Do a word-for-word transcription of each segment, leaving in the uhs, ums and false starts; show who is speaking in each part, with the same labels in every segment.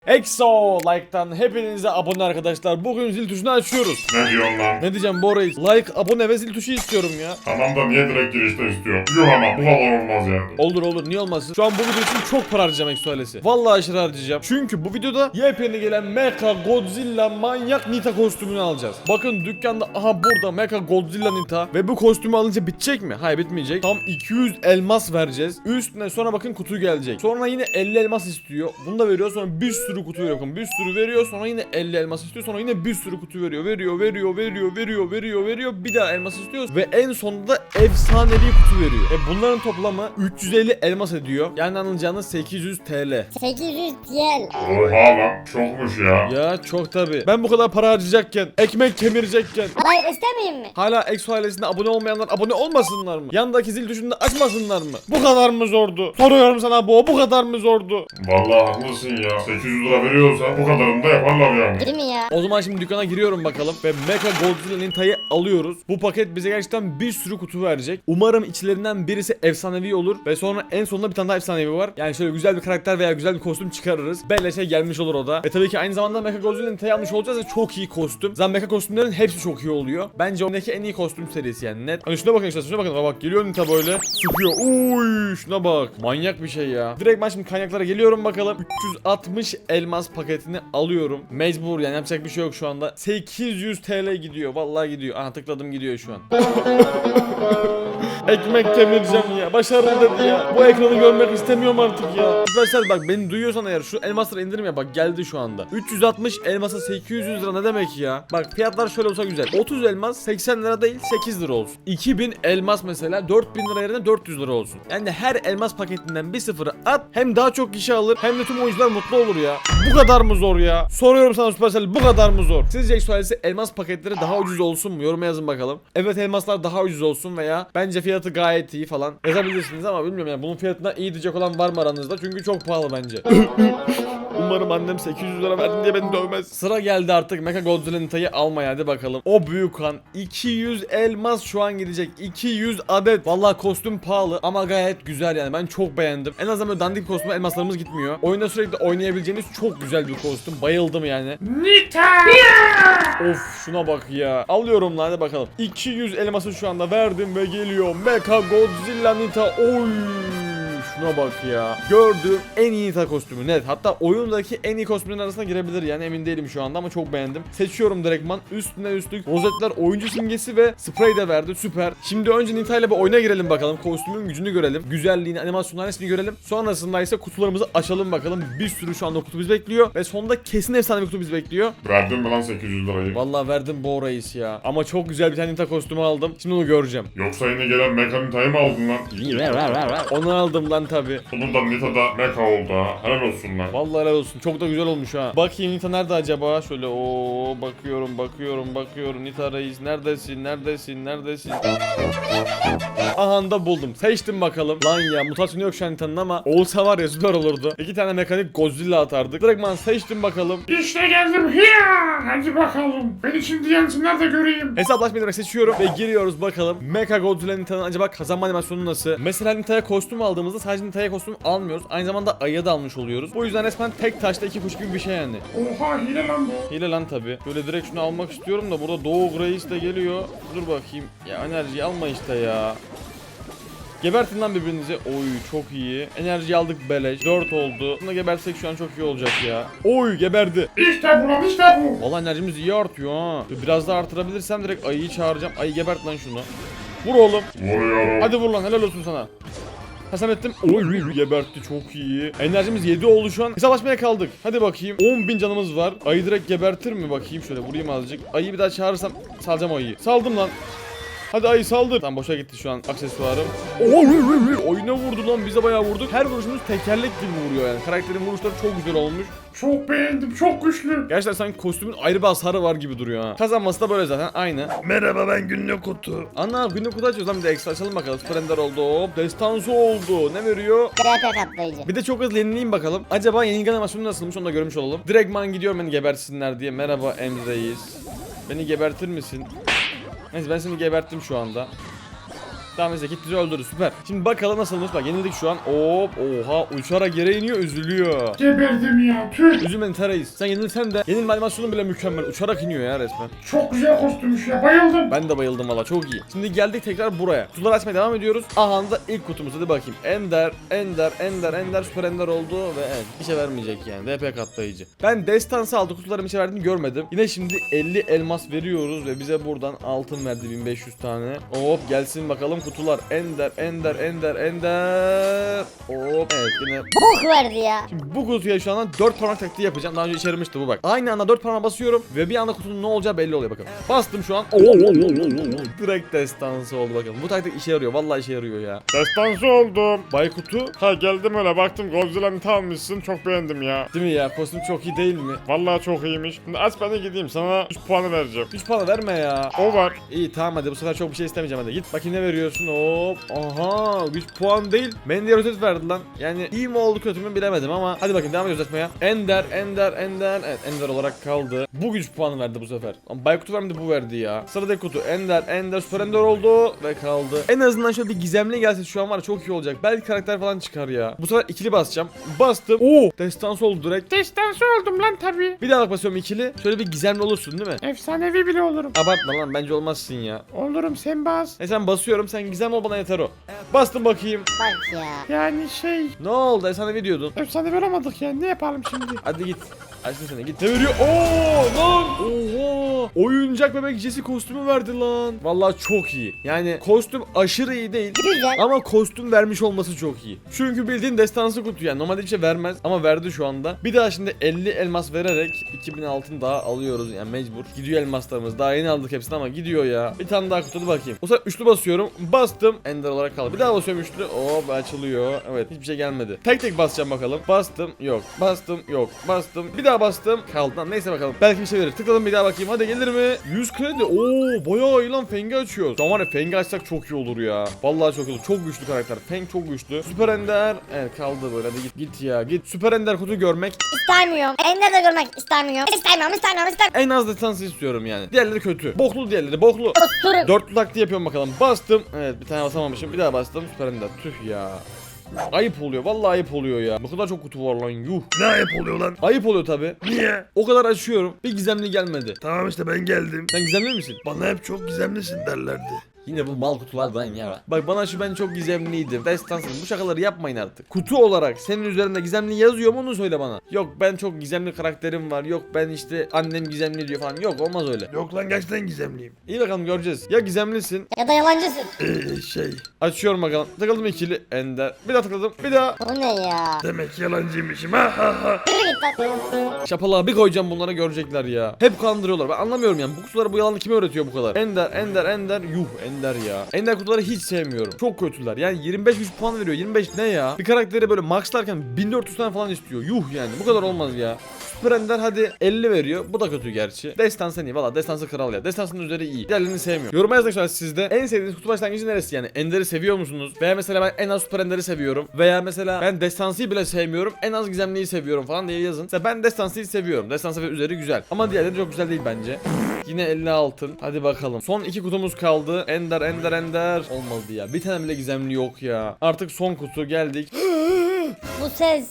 Speaker 1: Exo like'tan hepinize abone arkadaşlar. Bugün zil tuşunu açıyoruz.
Speaker 2: Ne diyorsun lan?
Speaker 1: Ne diyeceğim Bora? Like, abone ve zil tuşu istiyorum ya.
Speaker 2: Tamam da niye direkt girişte istiyor? Yok ama bu kadar olmaz yani.
Speaker 1: Olur olur, niye olmasın? Şu an bu video için çok para harcayacağım Exo ailesi. Vallahi aşırı harcayacağım. Çünkü bu videoda yepyeni gelen Mecha Godzilla manyak Nita kostümünü alacağız. Bakın dükkanda aha burada Mecha Godzilla Nita ve bu kostümü alınca bitecek mi? Hayır, bitmeyecek. Tam iki yüz elmas vereceğiz. Üstüne sonra bakın kutu gelecek. Sonra yine elli elmas istiyor. Bunu da veriyor, sonra bir sürü kutu veriyor. Bakın bir sürü veriyor, sonra yine elli elmas istiyor. Sonra yine bir sürü kutu veriyor. Veriyor, veriyor, veriyor, veriyor, veriyor, veriyor. Bir daha elmas istiyor ve en sonunda efsanevi kutu veriyor. E bunların toplamı üç yüz elli elmas ediyor. Yani anlayacağınız sekiz yüz TL.
Speaker 3: sekiz yüz yen.
Speaker 2: Oha lan çokmuş ya.
Speaker 1: Ya çok tabi. Ben bu kadar para harcayacakken, ekmek kemirecekken
Speaker 3: Hayır, istemeyeyim mi?
Speaker 1: hala Exo ailesine abone olmayanlar abone olmasınlar mı? Yandaki zil tuşunu da açmasınlar mı? Bu kadar mı zordu? Soruyorum sana, bu bu kadar mı zordu?
Speaker 2: Vallahi haklısın ya. sekiz yüz lira veriyorsa bu kadarını da yaparlar yani.
Speaker 3: Değil mi ya?
Speaker 1: O zaman şimdi dükkana giriyorum bakalım ve Mecha Godzilla Nita'yı alıyoruz. Bu paket bize gerçekten bir sürü kutu verecek. Umarım içlerinden birisi efsanevi olur ve sonra en sonunda bir tane daha efsanevi var. Yani şöyle güzel bir karakter veya güzel bir kostüm çıkarırız. Beleşe gelmiş olur o da. Ve tabii ki aynı zamanda Mecha Godzilla Nita'yı almış olacağız ve çok iyi kostüm. Zaten Mecha kostümlerin hepsi çok iyi oluyor. Bence ondaki en iyi kostüm serisi yani, net. Hani şuna bakın işte, şuna bakın. Bak geliyor Nita böyle sıkıyor. Uy şuna bak. Manyak bir şey ya. Direkt ben şimdi kaynaklara geliyorum bakalım. üç yüz altmış elmas paketini alıyorum. Mecbur yani, yapacak bir şey yok şu anda. sekiz yüz TL gidiyor. Vallahi gidiyor. Aha tıkladım, gidiyor şu an. Ekmek kemireceğim ya. Başarılı dedi ya. Bu ekranı görmek istemiyorum artık ya. Arkadaşlar bak, beni duyuyorsan eğer şu elmasları indirim ya, bak geldi şu anda. üç yüz altmış elmasa sekiz yüz lira ne demek ya? Bak fiyatlar şöyle olsa güzel. otuz elmas seksen lira değil sekiz lira olsun. iki bin elmas mesela dört bin lira yerine dört yüz lira olsun. Yani her elmas paketinden bir sıfırı at, hem daha çok kişi alır hem de tüm oyuncular mutlu olur ya. Bu kadar mı zor ya? Soruyorum sana Supercell, bu kadar mı zor? Sizce Exo ailesi elmas paketleri daha ucuz olsun mu? Yoruma yazın bakalım. Evet, elmaslar daha ucuz olsun veya bence fiyatı gayet iyi falan yazabilirsiniz ama bilmiyorum yani, bunun fiyatına iyi diyecek olan var mı aranızda? Çünkü çok pahalı bence. Umarım annem sekiz yüz lira verdin diye beni dövmez. Sıra geldi artık Mecha Godzilla Nita'yı almaya, hadi bakalım. O büyük kan iki yüz elmas şu an gidecek. iki yüz adet. Vallahi kostüm pahalı ama gayet güzel yani, ben çok beğendim. En azından böyle dandik kostüme elmaslarımız gitmiyor. Oyunda sürekli oynayabileceğiniz çok güzel bir kostüm. Bayıldım yani.
Speaker 2: Nita!
Speaker 1: Of şuna bak ya. Alıyorum lan, hadi bakalım. iki yüz elması şu anda verdim ve geliyor Mecha Godzilla Nita. Oy! Şuna bak ya. Gördüğüm en iyi Nita kostümü net. Hatta oyundaki en iyi kostümlerin arasına girebilir yani, emin değilim şu anda ama çok beğendim. Seçiyorum direktman. Üstüne üstlük rozetler, oyuncu simgesi ve sprey de verdi. Süper. Şimdi önce Nita ile bir oyuna girelim bakalım. Kostümün gücünü görelim. Güzelliğini, animasyonların hepsini görelim. Sonrasında ise kutularımızı açalım bakalım. Bir sürü şu anda kutu bizi bekliyor ve sonunda kesin efsane bir kutu bizi bekliyor.
Speaker 2: Verdin mi lan sekiz yüz lirayı?
Speaker 1: Vallahi verdim bu reis ya. Ama çok güzel bir tane Nita kostümü aldım. Şimdi onu göreceğim.
Speaker 2: Yoksa yine gelen Mecha Nita'yı mı aldın lan?
Speaker 1: Onu aldım lan tabi.
Speaker 2: Bunun da Nita'da Mecha oldu ha. Helal olsun lan.
Speaker 1: Vallahi helal olsun. Çok da güzel olmuş ha. Bakayım Nita nerede acaba? Şöyle o bakıyorum, bakıyorum, bakıyorum. Nita reis neredesin? Neredesin? Neredesin? Aha da buldum. Seçtim bakalım. Lan ya, mutasyon yok şu an Nita'nın ama olsa var ya süper olurdu. İki tane mekanik Godzilla atardık. Direktman seçtim bakalım.
Speaker 2: İşte geldim. Hiya! Hadi bakalım. Beni şimdi yansınlar da göreyim.
Speaker 1: Hesaplaşmayı demek seçiyorum ve giriyoruz bakalım. Mecha Godzilla Nita'nın acaba kazanma animasyonu nasıl? Mesela Nita'ya kostüm aldığımızda sadece Nita'ya kostüm almıyoruz. Aynı zamanda ayıya da almış oluyoruz. Bu yüzden resmen tek taşta iki kuş gibi bir şey yani.
Speaker 2: Oha hile lan bu.
Speaker 1: Hile lan tabi. Böyle direkt şunu almak istiyorum da burada Doğu Reis de geliyor. Dur bakayım. Ya enerjiyi alma işte ya. Gebertin lan birbirinizi. Oy çok iyi. Enerji aldık beleş. dört oldu. Bunu gebersek şu an çok iyi olacak ya. Oy geberdi.
Speaker 2: İşte bu lan işte bu.
Speaker 1: Vallahi enerjimiz iyi artıyor ha. Biraz daha artırabilirsem direkt ayıyı çağıracağım. Ayı gebert lan şunu. Vur oğlum.
Speaker 2: Vuruyorum.
Speaker 1: Hadi vur lan, helal olsun sana. Hasam ettim. Oy gebertti, çok iyi. Enerjimiz yedi oldu şu an. Hesaplaşmaya kaldık. Hadi bakayım. on bin canımız var. Ayı direkt gebertir mi? Bakayım şöyle vurayım azıcık. Ayıyı bir daha çağırırsam salacağım ayıyı. Saldım lan. Hadi ayı saldır. Tam boşa gitti şu an aksesuarım. Oyuna vurdu lan, bize bayağı vurdu. Her vuruşumuz tekerlek gibi vuruyor yani. Karakterin vuruşları çok güzel olmuş.
Speaker 2: Çok beğendim. Çok güçlü.
Speaker 1: Gerçekten sanki kostümün ayrı bir hasarı var gibi duruyor ha. Kazanması da böyle zaten aynı.
Speaker 2: Merhaba, ben günlük kutu.
Speaker 1: Ana günlük kutu açıyoruz lan, bir de ekstra açalım bakalım. Splendor oldu, hop destansı oldu. Ne veriyor?
Speaker 3: Krepe katlayıcı.
Speaker 1: Bir de çok hızlı yenileyim bakalım. Acaba yenilgi animasyonu nasılmış, onu da görmüş olalım. Direktman gidiyorum beni gebersinler diye. Merhaba Emre'yiz. Beni gebertir misin? Neyse ben seni geberttim şu anda. Tamam neyse, gitti öldürdü, süper. Şimdi bakalım nasılmış, bak yenildik şu an. Hop, oha, uçarak yere iniyor, üzülüyor.
Speaker 2: Geberdim ya tüh.
Speaker 1: Üzülmeyin Tereyiz. Sen yenilsen de yenilme animasyonu bile mükemmel. Uçarak iniyor ya resmen.
Speaker 2: Çok güzel kostümmüş ya, bayıldım.
Speaker 1: Ben de bayıldım valla, çok iyi. Şimdi geldik tekrar buraya. Kutuları açmaya devam ediyoruz. Aha da ilk kutumuz, hadi bakayım. Ender, Ender, Ender, Ender, Süper Ender oldu ve evet, bir şey vermeyecek yani. D P katlayıcı. Ben destansı aldı, kutuların bir şey verdiğini görmedim. Yine şimdi elli elmas veriyoruz ve bize buradan altın verdi, bin beş yüz tane. Hop gelsin bakalım kutular. Ender, Ender, Ender, Ender. Hop evet yine.
Speaker 3: Bok verdi ya.
Speaker 1: Şimdi bu kutuya şu anda dört parmak taktiği yapacağım. Daha önce işe yaramıştı bu bak. Aynı anda dört parmağa basıyorum ve bir anda kutunun ne olacağı belli oluyor bakın. Bastım şu an. Direkt destansı oldu bakın. Bu taktik işe yarıyor. Vallahi işe yarıyor ya.
Speaker 2: Destansı oldum.
Speaker 1: Baykutu.
Speaker 2: Ha geldim öyle baktım Godzilla'nı almışsın, çok beğendim ya.
Speaker 1: Değil mi ya? Kostüm çok iyi değil mi?
Speaker 2: Vallahi çok iyiymiş. Şimdi aç ben de gideyim, sana üç puanı vereceğim.
Speaker 1: üç puan verme ya.
Speaker 2: O var.
Speaker 1: İyi tamam hadi, bu sefer çok bir şey istemeyeceğim hadi. Git bakayım ne veriyorsun. Hop. Aha üç puan değil. Mendiye rotet verdi lan. Yani iyi mi oldu kötü mü bilemedim ama. Hadi bakayım devam ediyoruz açmaya. Ender, Ender, Ender. Evet Ender olarak kaldı. Bu güç puanı verdi bu sefer. Ama Baykutu vermedi, bu verdi ya. Sıradaki kutu Ender, Ender, Süper Ender oldu ve kaldı. En azından şöyle bir gizemli gelse şu an var ya, çok iyi olacak. Belki karakter falan çıkar ya. Bu sefer ikili basacağım. Bastım. Oo, destansı oldu direkt.
Speaker 2: Destansı oldum lan tabii.
Speaker 1: Bir daha bak basıyorum ikili. Şöyle bir gizemli olursun değil mi?
Speaker 2: Efsanevi bile olurum.
Speaker 1: Abartma lan, bence olmazsın ya.
Speaker 2: Olurum, sen bas.
Speaker 1: E sen basıyorum, sen gizemli ol, bana yeter o. Bastım bakayım.
Speaker 3: Bak ya.
Speaker 2: Yani şey,
Speaker 1: Ne oldu? E sana ne diyordun?
Speaker 2: efsane veramadık yani, ne yapalım şimdi?
Speaker 1: Hadi git. Açtın seni, git. Ne veriyor? Oo lan. Oha. Oyuncak bebek Jesse kostümü verdi lan. Vallahi çok iyi. Yani kostüm aşırı iyi değil.
Speaker 3: Güzel.
Speaker 1: Ama kostüm vermiş olması çok iyi. Çünkü bildiğin destansı kutu yani. Normalde bir şey vermez ama verdi şu anda. Bir daha şimdi elli elmas vererek iki bin altın daha alıyoruz yani mecbur. Gidiyor elmaslarımız. Daha yeni aldık hepsini ama gidiyor ya. Bir tane daha kutu, bakayım. O sefer üçlü basıyorum. Bastım. Ender olarak kaldı. Bir daha basıyorum üçlü. Hop açılıyor. Evet hiçbir şey gelmedi. Tek tek basacağım bakalım. Bastım. Yok. Bastım. Yok. Bastım. Bir daha bastım. Kaldı lan. Neyse bakalım. Belki bir şey verir. Tıkladım bir daha bakayım. Hadi gelir mi? yüz kredi. Oo bayağı iyi lan. Feng'i açıyoruz. Şu an var ya, Feng'i açsak çok iyi olur ya. Vallahi çok iyi olur. Çok güçlü karakter. Feng çok güçlü. Süper Ender. Evet kaldı böyle. Hadi git git ya. Git. Süper Ender kutu görmek.
Speaker 3: İstemiyorum. Ender de görmek istemiyorum. İstemiyorum, istemiyorum, istemiyorum.
Speaker 1: En az destansı istiyorum yani. Diğerleri kötü. Boklu diğerleri. Boklu.
Speaker 3: Oturun.
Speaker 1: Dörtlü taktiği yapıyorum bakalım. Bastım. Evet bir tane basamamışım. Bir daha bastım. Süper Ender. Tüh ya. Ayıp oluyor. Vallahi ayıp oluyor ya. Bu kadar çok kutu var lan. Yuh.
Speaker 4: Ne ayıp oluyor lan?
Speaker 1: Ayıp oluyor tabi.
Speaker 4: Niye?
Speaker 1: O kadar açıyorum. Bir gizemli gelmedi.
Speaker 4: Tamam işte ben geldim.
Speaker 1: Sen gizemli misin?
Speaker 4: Bana hep çok gizemlisin derlerdi.
Speaker 1: Yine bu mal kutulardan ya. Bak bana şu, ben çok gizemliydim. Destansın. Bu şakaları yapmayın artık. Kutu olarak senin üzerinde gizemli yazıyor mu, onu söyle bana. Yok ben çok gizemli karakterim var. Yok ben işte annem gizemli diyor falan. Yok olmaz öyle.
Speaker 4: Yok lan gerçekten gizemliyim.
Speaker 1: İyi bakalım göreceğiz. Ya gizemlisin.
Speaker 3: Ya da yalancısın.
Speaker 4: Ee, şey
Speaker 1: Açıyorum bakalım. Tıkladım ikili. Ender. Bir daha tıkladım. Bir daha.
Speaker 3: Bu ne ya?
Speaker 4: demek yalancıymışım ha ha ha.
Speaker 3: Yürü git lan.
Speaker 1: Şapalığa bir koyacağım, bunlara görecekler ya. Hep kandırıyorlar. Ben anlamıyorum yani. Bu kutuları, bu yalanı kime öğretiyor bu kadar? Ender, Ender, Ender. Yuh Ender ya. Ender kutuları hiç sevmiyorum. Çok kötüler. Yani yirmi beş yüz puan veriyor. yirmi beş ne ya? Bir karakteri böyle maxlarken bin dört yüz tane falan istiyor. Yuh yani. Bu kadar olmaz ya. Süper Ender hadi elli veriyor. Bu da kötü gerçi. Destansı iyi. Valla destansı kral ya. Destansının üzeri iyi. Diğerlerini sevmiyorum. Yoruma yazın şu an sizde. En sevdiğiniz kutu başlangıcı neresi yani? Ender'i seviyor musunuz? Veya mesela ben en az Süper Ender'i seviyorum. Veya mesela ben destansıyı bile sevmiyorum. En az gizemliyi seviyorum falan diye yazın. Mesela ben destansıyı seviyorum. Destansı ve üzeri güzel. Ama diğerleri çok güzel değil bence. Yine elli altın. Hadi bakalım. Son iki kutumuz kaldı. Ender, Ender, Ender. Olmadı ya. Bir tane bile gizemli yok ya. Artık son kutu geldik.
Speaker 3: Bu ses.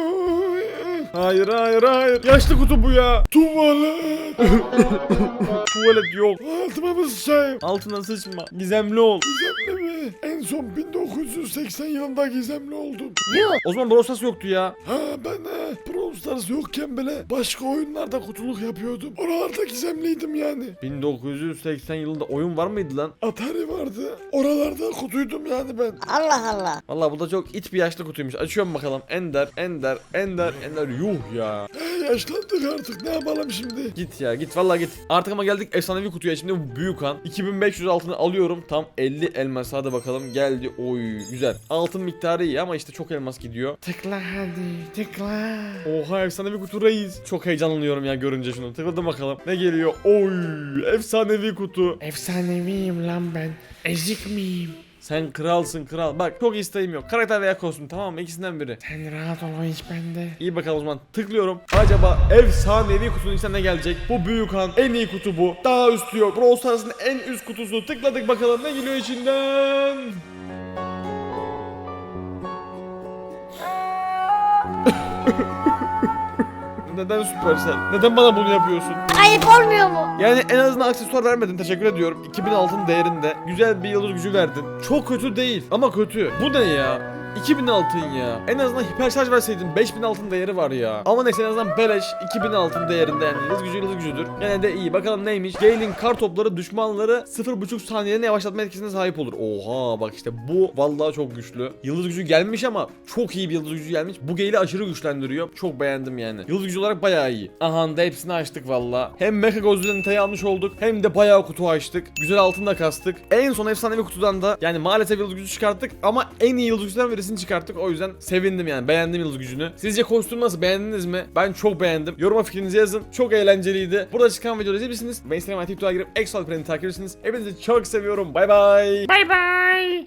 Speaker 1: Hayır hayır hayır. Yaşlı kutu bu ya.
Speaker 4: Tuvalet.
Speaker 1: Tuvalet yok.
Speaker 4: Altıma mı sıçayım?
Speaker 1: Altına sıçma. Gizemli ol.
Speaker 4: Gizemli mi? En son bin dokuz yüz seksen yılında gizemli oldum.
Speaker 3: Yuh.
Speaker 1: O zaman Brawl Stars yoktu ya.
Speaker 4: Ha ben de Brawl Stars yokken bile başka oyunlarda kutluluk yapıyordum. Oralarda gizemliydim yani.
Speaker 1: bin dokuz yüz seksen yılında oyun var mıydı lan?
Speaker 4: Atari vardı. Oralarda kutuydum yani ben.
Speaker 3: Allah Allah.
Speaker 1: Vallahi bu da çok it bir yaşlı kutuymuş. Açıyorum bakalım. Ender, Ender, Ender, Ender. Yuh ya.
Speaker 4: He, yaşlandık artık, ne yapalım şimdi?
Speaker 1: Git ya git, vallahi git. Artık ama geldik efsanevi kutuya. Şimdi bu büyük han. iki bin beş yüz altını alıyorum. Tam elli elmas. Hadi bakalım geldi. Oy güzel. Altın miktarı iyi ama işte çok elmas gidiyor.
Speaker 2: Tıkla hadi, tıkla.
Speaker 1: Oha efsanevi kutu reis. Çok heyecanlanıyorum ya görünce şunu. Tıkladım bakalım. Ne geliyor? Oy efsanevi kutu.
Speaker 2: Efsaneviyim lan ben. Ezik miyim?
Speaker 1: Sen kralsın kral. Bak çok isteğim yok. Karakter veya kostüm, tamam mı? İkisinden biri.
Speaker 2: Sen rahat ol, o iş bende.
Speaker 1: İyi bakalım o zaman. Tıklıyorum. Acaba efsanevi kutunun içinden ne gelecek? Bu büyük han. En iyi kutu bu. Daha üst diyor. Brawl Stars'ın en üst kutusu. Tıkladık bakalım ne geliyor içinden. Neden Supercell? Neden bana bunu yapıyorsun?
Speaker 3: Ayıp olmuyor mu?
Speaker 1: Yani en azından aksesuar vermedin, teşekkür ediyorum. iki bin altın değerinde güzel bir yıldız gücü verdin. Çok kötü değil ama kötü. Bu ne ya? iki bin altın ya. En azından hiper şarj verseydin beş bin altın değeri var ya. Ama neyse en azından beleş iki bin altın değerinde, yani yıldız gücü yıldız gücüdür. Gene de iyi. Bakalım neymiş? Gale'in kar topları düşmanları sıfır buçuk saniyede yavaşlatma etkisine sahip olur. Oha bak işte bu vallahi çok güçlü. Yıldız gücü gelmiş ama çok iyi bir yıldız gücü gelmiş. Bu Gale'i aşırı güçlendiriyor. Çok beğendim yani. Yıldız gücü olarak bayağı iyi. Aha da hepsini açtık vallahi. Hem Mecha Godzilla'nı almış olduk hem de bayağı kutu açtık. Güzel altın da kastık. En son efsanevi kutudan da yani maalesef yıldız gücü çıkarttık ama en iyi yıldız gücüden birisini çıkarttık. O yüzden sevindim yani. Beğendim yıldız gücünü. Sizce kostüm nasıl? Beğendiniz mi? Ben çok beğendim. Yoruma fikrinizi yazın. Çok eğlenceliydi. Burada çıkan videoları izleyebilirsiniz. Ben Instagram ve TikTok'a girip Exo Alperen'i takip edersiniz. Hepinizi çok seviyorum. Bay bay.
Speaker 2: Bay bay.